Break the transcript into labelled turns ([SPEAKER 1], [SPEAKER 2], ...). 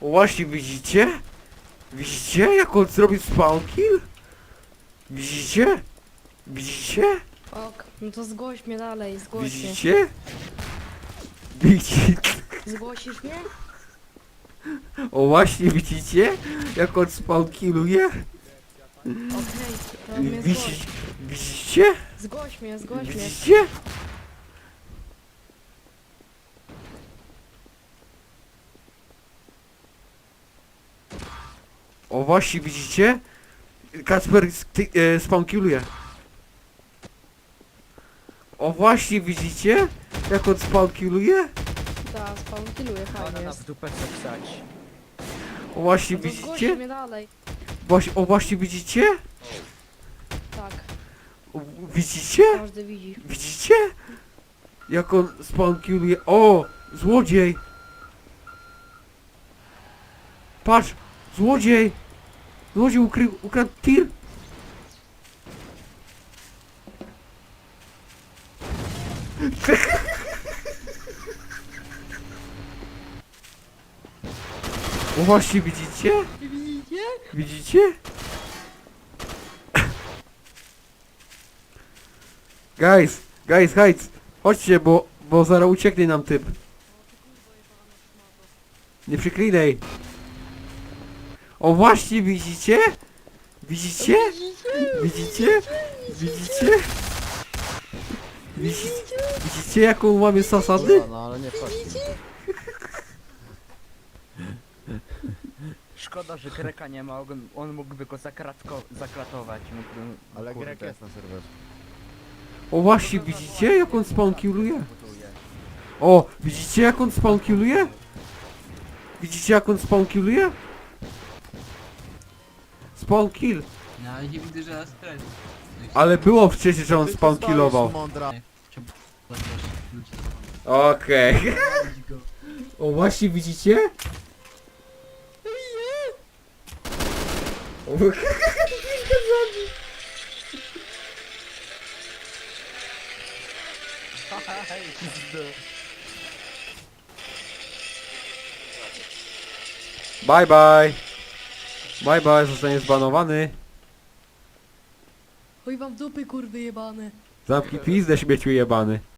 [SPEAKER 1] O właśnie, widzicie? Widzicie jak on zrobił spawn kill? Widzicie? Widzicie?
[SPEAKER 2] Ok, no to zgłoś mnie dalej, zgłoś mnie.
[SPEAKER 1] Widzicie? Widzicie?
[SPEAKER 2] Zgłosisz mnie?
[SPEAKER 1] O właśnie, widzicie? Jak on spawn killuje?
[SPEAKER 2] Okej, to mnie zgłoś.
[SPEAKER 1] Widzicie?
[SPEAKER 2] Zgłoś mnie, zgłoś mnie.
[SPEAKER 1] Widzicie? O właśnie, widzicie? Kacper spankiluje. O właśnie, widzicie? Jak on spankiluje?
[SPEAKER 2] Tak, spawn killuje,
[SPEAKER 3] Ona
[SPEAKER 2] fajnie
[SPEAKER 3] na
[SPEAKER 2] jest.
[SPEAKER 3] w dupę chce wstać.
[SPEAKER 1] O właśnie,
[SPEAKER 2] No to zgłoś
[SPEAKER 1] widzicie?
[SPEAKER 2] mnie dalej.
[SPEAKER 1] O właśnie, widzicie?
[SPEAKER 2] Tak,
[SPEAKER 1] O, widzicie?
[SPEAKER 2] każdy widzi.
[SPEAKER 1] Widzicie? Jak on spankiluje. O! Złodziej! Patrz! Złodziej! Złodziej ukradł tir! O właśnie, widzicie?
[SPEAKER 2] Widzicie?
[SPEAKER 1] Widzicie? Guys, chodźcie, bo zaraz ucieknie nam typ. Nie przyklinaj. O właśnie, widzicie? Widzicie? Widzicie? Widzicie? Widzicie jaką łamie zasady?
[SPEAKER 3] No ale nie chodź. Szkoda, że Greka nie ma, on mógłby go zakratować. Mógłby,
[SPEAKER 4] Ale
[SPEAKER 3] kurde.
[SPEAKER 4] Grek jest na serwerze.
[SPEAKER 1] O właśnie, widzicie jak on spawnkilluje? O, widzicie jak on spawnkilluje? Widzicie jak on spawnkilluje? Spawnkill.
[SPEAKER 5] No ale nie widzę, że nas stres.
[SPEAKER 1] Ale było wcześniej, że on
[SPEAKER 4] Ty tu
[SPEAKER 1] spawnkillował.
[SPEAKER 4] stoisz, mądra.
[SPEAKER 1] Okej. O właśnie, widzicie? O, Bye bye. Bye bye, zostanie zbanowany.
[SPEAKER 2] Chuj wam w dupy, kurwy jebane.
[SPEAKER 1] Zamknij pizdę, śmieciu jebany.